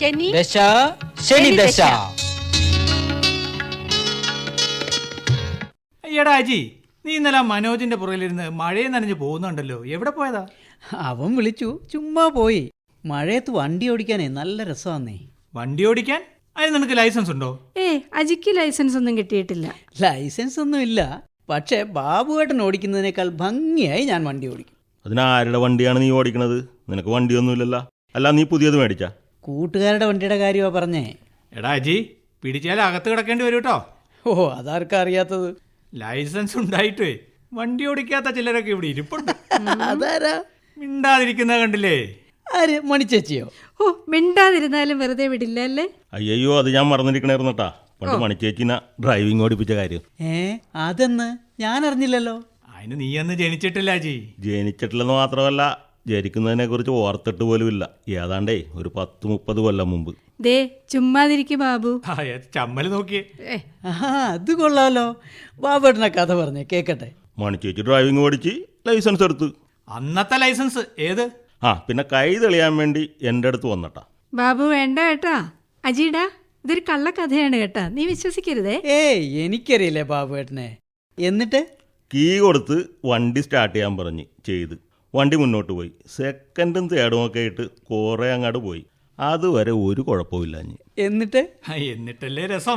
ദശ ശനി ദശ. അയ്യടാ അജി, നീ ഇന്നലെ മനോജിന്റെ പുറകിലിരുന്ന് മഴയെ നനഞ്ഞ് പോകുന്നുണ്ടല്ലോ, എവിടെ പോയതാ? അവൻ വിളിച്ചു, ചുമ്മാ പോയി. മഴയത്ത് വണ്ടി ഓടിക്കാനേ നല്ല രസമാന്നേ. വണ്ടി ഓടിക്കാൻ? അതിന് നിനക്ക് ലൈസൻസ് ഉണ്ടോ? അജിക്ക് ലൈസൻസ് ഒന്നും കിട്ടിയിട്ടില്ല. ലൈസൻസ് ഒന്നും ഇല്ല, പക്ഷേ ബാബുവേട്ടൻ ഓടിക്കുന്നതിനേക്കാൾ ഭംഗിയായി ഞാൻ വണ്ടി ഓടിക്കും. അതിനാരുടെ വണ്ടിയാണ് നീ ഓടിക്കണത്? നിനക്ക് വണ്ടിയൊന്നുമില്ലല്ലോ. അല്ല, നീ പുതിയത് മേടിച്ചാ? കൂട്ടുകാരുടെ വണ്ടിയുടെ കാര്യമാ പറഞ്ഞേ. എടാ അജി, പിടിച്ചാൽ അകത്ത് കിടക്കേണ്ടി വരും കേട്ടോ. ഓ, അതാർക്കാ അറിയാത്തത്? ലൈസൻസ് ഉണ്ടായിട്ടേ വണ്ടി ഓടിക്കാത്ത ചിലരൊക്കെ ഇവിടെ ഇരിപ്പുണ്ട്. അതാരാ? മിണ്ടാതിരിക്കുന്ന കണ്ടില്ലേ? ആര്? മണിച്ചേച്ചിയോ? മിണ്ടാതിരുന്നാലും വെറുതെ വിടില്ല അല്ലേ? അയ്യോ, അത് ഞാൻ മറന്നിരിക്കണേർന്നട്ടാ. പണ്ട് മണിച്ചേച്ചിനെ ഡ്രൈവിംഗ് ഓടിപ്പിച്ച കാര്യം. അതെന്ന് ഞാൻ അറിഞ്ഞില്ലല്ലോ. അതിന് നീ അന്ന് ജനിച്ചിട്ടില്ല അജി. ജനിച്ചിട്ടില്ലെന്ന് മാത്രമല്ല, ജനിക്കുന്നതിനെ കുറിച്ച് ഓർത്തിട്ട് പോലും ഇല്ല. ഏതാണ്ടേ ഒരു 10-30 കൊല്ലം മുമ്പ്. ദേ ചുമ്മാതിരിക്കും ബാബു. ചമ്മല് നോക്കിയേ. അത് കൊള്ളാലോ. ബാബുവേട്ടനെ കഥ പറഞ്ഞേ കേക്കട്ടെ. മണിച്ചേച്ചി ഡ്രൈവിംഗ് ഓടിച്ച് ലൈസൻസ് എടുത്ത്. അന്നത്തെ ലൈസൻസ് ഏത്? പിന്നെ കൈ തെളിയാൻ വേണ്ടി എൻ്റെ അടുത്ത് വന്നട്ടാ. ബാബു വേണ്ട കേട്ടാ. അജിടാ, ഇതൊരു കള്ളക്കഥയാണ് കേട്ടാ, നീ വിശ്വസിക്കരുതേ. എനിക്കറിയില്ലേ ബാബുവേട്ടനെ. എന്നിട്ട് കീ കൊടുത്ത് വണ്ടി സ്റ്റാർട്ട് ചെയ്യാൻ പറഞ്ഞ് ചെയ്ത് വണ്ടി മുന്നോട്ട് പോയി. സെക്കൻഡും തേർഡും ഒക്കെ ആയിട്ട് കുറേ അങ്ങോട്ട് പോയി. അതുവരെ ഒരു കുഴപ്പമില്ല. എന്നിട്ടല്ലേ രസം.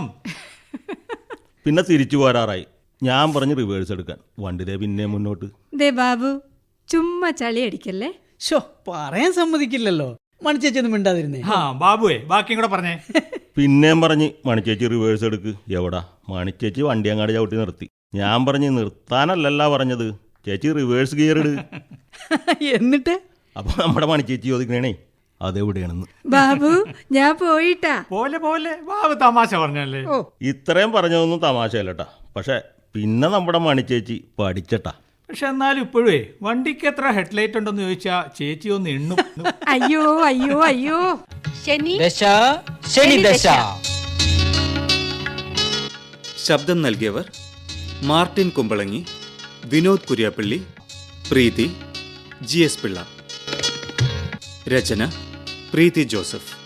പിന്നെ തിരിച്ചു പോരാറായി. ഞാൻ പറഞ്ഞ് റിവേഴ്സ് എടുക്കാൻ. വണ്ടി പിന്നെ മുന്നോട്ട്. ദേ ബാബു, ചുമ്മാ ചളി അടിക്കല്ലേ. പറയാൻ സമ്മതിക്കില്ലല്ലോ. മണിച്ചേച്ചി ഒന്നും മിണ്ടാതിരുന്നേ. ബാബുവേ, ബാക്കിയും കൂടെ പറഞ്ഞേ. പിന്നെയും പറഞ്ഞ് മണിച്ചേച്ചി റിവേഴ്സ് എടുക്ക്. എവിടാ? മണിച്ചേച്ചി വണ്ടി അങ്ങാട് ചവിട്ടി നിർത്തി. ഞാൻ പറഞ്ഞ് നിർത്താനല്ലല്ല പറഞ്ഞത്, ചേച്ചി റിവേഴ്സ് ഗിയർ ഇട്. എന്നിട്ട് അപ്പൊ നമ്മുടെ മണിച്ചേച്ചി ചോദിക്കണേ അതെവിടെയാണെന്ന്. ബാബു, ഞാൻ പോയിട്ടാ. പോലെ പോലെ ബാബു തമാശ പറഞ്ഞല്ലേ. ഇത്രയും പറഞ്ഞതൊന്നും തമാശയല്ലട്ടാ. പക്ഷെ പിന്നെ നമ്മുടെ മണിച്ചേച്ചി പഠിച്ചട്ടാ. പക്ഷെ എന്നാലും ഇപ്പോഴേ വണ്ടിക്ക് എത്ര ഹെഡ്ലൈറ്റ് ഉണ്ടെന്ന് ചോദിച്ചാ ചേച്ചി ഒന്ന് എണ്ണും. അയ്യോ അയ്യോ അയ്യോ. ദശ ശനി ദശ. ശബ്ദം നൽകിയവർ മാർട്ടിൻ കുമ്പളങ്ങി, വിനോദ് കുര്യാപ്പള്ളി, പ്രീതി, GS പിള്ള. രചന പ്രീതി ജോസഫ്.